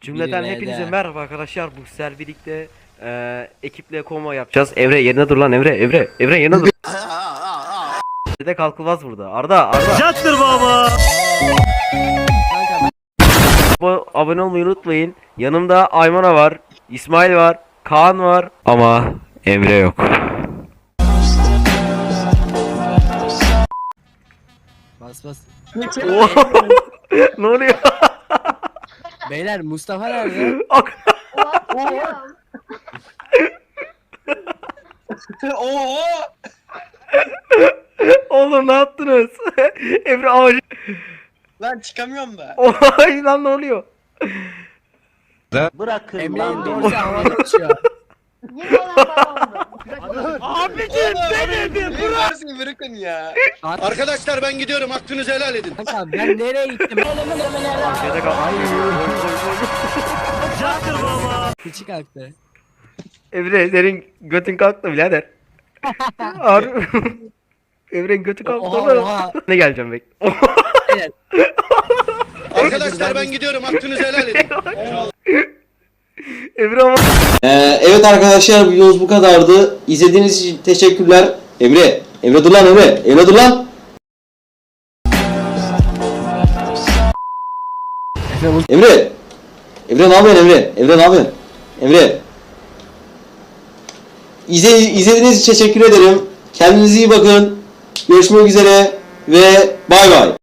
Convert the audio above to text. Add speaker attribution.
Speaker 1: Cümleten
Speaker 2: Biri
Speaker 1: hepinize
Speaker 2: V'de.
Speaker 1: merhaba arkadaşlar. Bu sefer birlikte ekiple konvoy yapacağız. Evre yerine dur lan Evre. Evre yerine dur. De kalkılmaz burada. Arda.
Speaker 3: Yattır baba.
Speaker 2: Kanka
Speaker 1: Abone olmayı unutmayın. Yanımda Aymana var. İsmail var. Kaan var. Ama Emre yok.
Speaker 2: bas bas.
Speaker 1: Ne oluyor?
Speaker 2: Beyler Mustafa nerede?
Speaker 4: Oo!
Speaker 1: Oğlum ne yaptınız? Emre ağacı.
Speaker 4: Lan çıkamıyorum da.
Speaker 1: Oy lan ne oluyor?
Speaker 3: Bırakın
Speaker 2: Emre'nin dorsi havada uçuyor.
Speaker 5: Yine olan babamdı.
Speaker 3: Abicim benim.
Speaker 4: Bırak. Bırakın ya.
Speaker 6: Arkadaşlar ben gidiyorum, hakkınızı helal edin.
Speaker 2: Kanka ben nereye gittim?
Speaker 1: Şeyde kal.
Speaker 3: Yattır baba.
Speaker 2: Küçük aktı.
Speaker 1: Emre senin götün kalktı birader. Harbi. Emre'nin götü kalktı
Speaker 2: Oha,
Speaker 1: oğlum.
Speaker 2: oha.
Speaker 1: Ne geleceğim bek.
Speaker 6: Arkadaşlar ben gidiyorum, hakkınızı helal edin.
Speaker 1: Emre ama.
Speaker 7: Evet arkadaşlar, videomuz bu kadardı. İzlediğiniz için teşekkürler. Emre dur lan Emre. Emre dur lan. Emre ne yapıyorsun Emre? Emre ne yapıyorsun? Emre. İzlediğiniz için teşekkür ederim. Kendinize iyi bakın. Görüşmek üzere ve bay bay.